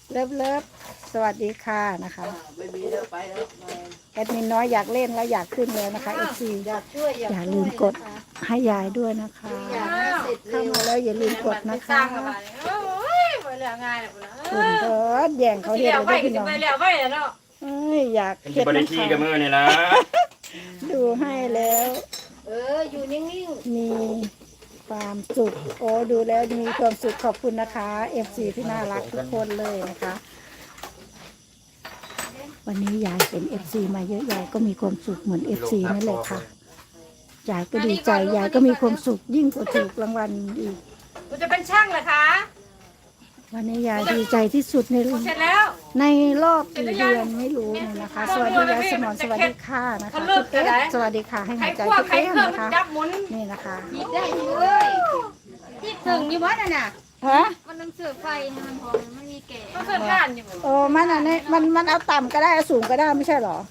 เลิฟเลิฟสวัสดีค่ะนะคะไม่มีแล้วไปแล้วแอดมินน้อยอยากเล่นแล้วอยากขึ้นแล้วนะคะเอฟซีอยากช่วยอย่าลืมกดให้ยายด้วยนะคะอยากให้เสร็จเร็เข้าวมาแล้วอย่าลืมกดนะคะโอ้ยไปเรื่องง่ายเลยคุณคุณเพิร์ดแย่งเขาเห็นเลยพี่น้องไปแล้วไปแล้วเนาะเอ้ยอยากเป็นที่บริทีกับมือนี่ละดูให้แล้วอยู่นิ่งมีความสุขโอ้ดูแล้วมีความสุขขอบคุณนะคะเอฟซีที่น่ารักทุกคนเลยนะคะ วันนี้ยายเป็นเอฟซีมาเยอะยายก็มีความสุขเหมือนเอฟซีนั่นแหละค่ะยายก็ดีใจยายก็มีความสุขยิ่งกว่าถูกรางวัลอีกคุณจะเป็นช่างเหรอคะวันนี้ยายดีใจที่สุดในเสร็จแล้วในรอบกี่เดือนไม่รู้เลยนะคะ สวัสดียายสมรสวัสดีค่ะนะคะคุณเอ๊ะสวัสดีค่ะให้ใครหัวใจคั่วคุณใครเอ๊ะเครื่องนะคะจับหมุนนี่นะคะๆหยิบได้เลยที่ถึงอยู่บ้านน่ะฮะมันต้องเสือไฟให้มันพอมันมีแก่ก็เครื่องก้านอยู่โอ้มันอันนี้มันเอาต่ำก็ได้เอาสูงก็ได้ไม่ใช่เหรอ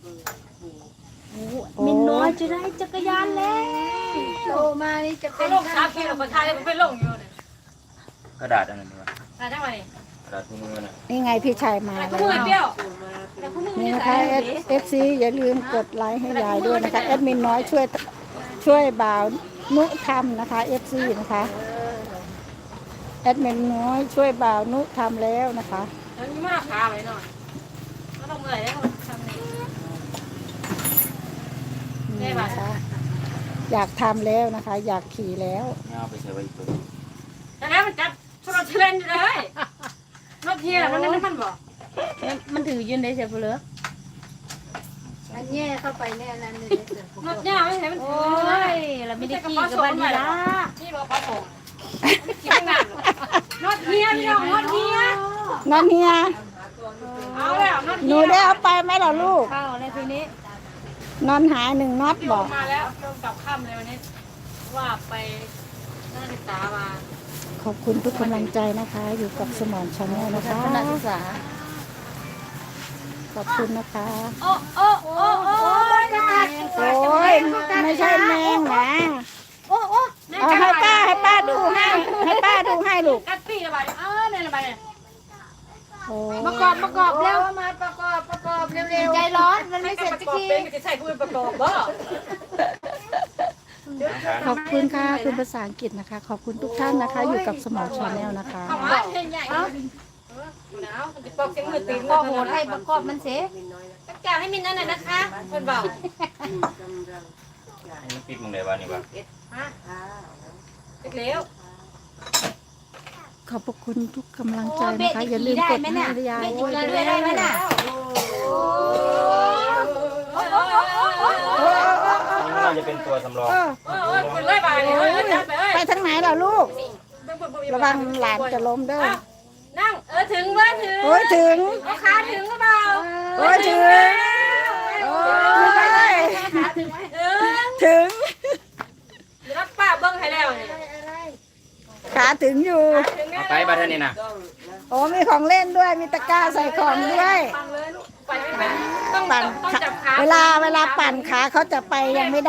มินน้อยจะได้จักรยานแล้วโตมานี่จะเขาเป็นลง3 กิโลคนไทยมันไปลงอยู่เนี่ยกระดาษอันนั้นดีกว่ามาจังหวะนี้กระดาษที่มือน่ะนี่ไงพี่ชายมาแต่แล้คู่มือเปรี้ยววแต่คู่มือนี่นี่นะใส่คะเอฟซีอย่าลืมกดไลค์ให้ยายด้วยนะคะแอดมินน้อยช่วยบ่าวนุทำนะคะเอฟซีนะคะแอดมินน้อยช่วยบ่าวนุทำแล้วนะคะแล้วมีมาขาไว้หน่อยก็ต้องเมื่อยแล้วทำนี่นี่นะคะอยากทำแล้วนะคะ อยากขี่แล้วเงาไปใส่ไว้อีกตัวแต่แล้วมันจับโซลาเทเลนอยู่เลยรถเทียร์มันนั่นมันบอกมันถือยืนได้เสียเปลือกอันแย่เข้าไปแน่นั่นเลยรถยาไม่ใช่มันโอ้ยเราไม่ได้ขี่กับบ้านนี่ละนี่บอกเขาส่งขี่ไม่นานรถเทียร์พี่น้องรถเทียร์นั่นเฮียเอาแล้วรถหเทีนูยร์ได้เอาไปไหมล่ะลูกเข้าในทีนี้นอนหาหนึ่งน็อตพี่บอออก กมาแล้วลงกลับค่ำเลยวันนี้ว่าไปนักศึกษามาขอบคุณทุกกำลังใจนะคะ อยู่กับสมอนชาแนลนะคะนักศึกษาขอบคุณนะคะโอ้โอ้โอ้โอ้ยกระตัดโอ้ยไม่ใช่แมงนะโอ้โอ้เอาให้ป้าดูให้ป้าดูให้ลูกกัดปีระบายเนี่ยระบายเนี่ยโอ้ประกอบเร็วมาประกอบเร็วใจร้อนมันไม่เสร็จประสักกอบทีเป็นจะใส่กูเป็นประกอบบ่ขอบคุณค่ะคุณภาษาอังกฤษนะคะ ขอบคุณทุกท่านนะคะ อยู่กับสมอนชาแนลนะคะเอามาเพลงใหญ่หนาวมันจะปอกเสียงมือตีนก็โหดให้ประกอบมันเสียต้องการให้มินนั่นน่ะนะคะคนเบาให้มันปิดมึงได้บ้านี่วะฮะเร็วขอบพระคุณทุกกำลังใจนะคะ อย่าลืมกดให้ยายด้วยได้ไหมน่ะนี่น่าจะเป็นตัวสำรองโอ้ยคุณเลยบ่ายเลยจับไปเอ้ยไปทางไหนล่ะลูก ระวังหลานจะล้มเด้อนั่งถึงว่าถึงโอ้ยถึงเอาขาถึงหรือเปล่าโอ้ยถึงโอ้ยถึงถึงรับป้าเบิ้งให้แล้วนี่ขาถึงอยู่ถึงเอาไปบ้านนี่นะโอ้มีของเล่นด้วย มีตะกร้าใส่ของด้วยปังเลยลูกไปไม่เป็นต้องปั่นจับขาเวลาปั่นขาเขาจะไปยังไม่ได้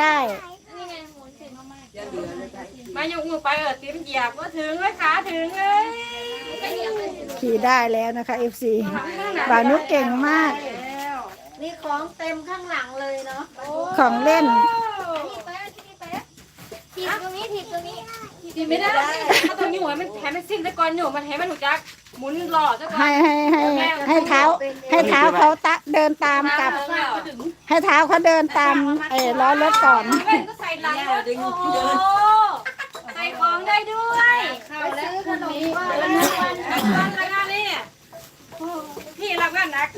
มายกมือไปตีมันเหยียบว่าถึงเลยขาถึงเลยขี่ได้แล้วนะคะ FC บ่าวนุกเก่งมากนี่ของเต็มข้างหลังเลยเนาะของเล่นถีบตรงนี้ถีบตรงนี้ทีไม่ได้ถ้าตรงนี้หัวมันแถมมันสิ้นตะกอนอยู่มันแถมมันหูจักหมุนหล่อตะกอนให้เท้าเขาเดินตามกับ ให้เท้าเขาเดินตามล้อรถก่อนก็ใส่หลังโอ้โหใส่ของได้ด้วยไปซื้อขนมว่ารับงานนี่พี่รับงานนัก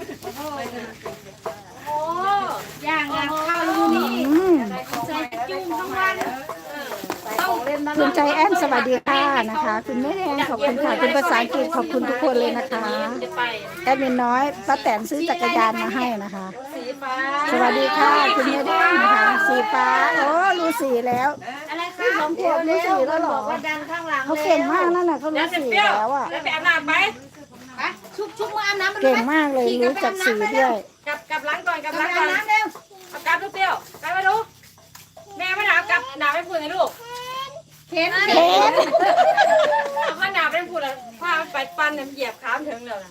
โอ้ย่างกับข้าวลูนี่อืมใส่จุ่มทั้งวันคุณใจแอนสวัสดีค่ะนะคะ คุณแม่แดงขอบคุณค่ะคุณภาษาอังกฤษขอบคุณทุกคนเลยนะคะจะไปแอดมินน้อยป้าแตนซื้อจักรยานมาให้นะคะสีฟ้าสวัสดีค่ะคุณแม่แดงนะคะสีฟ้าโอ้รู้สีแล้วอะไรคะสองขวบรู้สีแล้วเหรอว่าดันข้างหลังเขาเก่งมากนั่นน่ะเขาแล้วรู้จะสีเปรี้ยวแล้วอ่ะแล้วไปอาบน้ำไปชุบมืออาบน้ำมันเก่งมากเลยรู้จักสีด้วยกลับล้างก่อนกลับล้างก่อนน้ำเร็วเอากลับลูกเปรี้ยวกลับมาดูแม่ไม่หนาวกลับหนาวไม่พูดนะลูกเห็นเห็นเอาข้าหนาวไม่พูดแล้วผ้าไปปั้นเนี่ยเหยียบขาถึงเลยนะ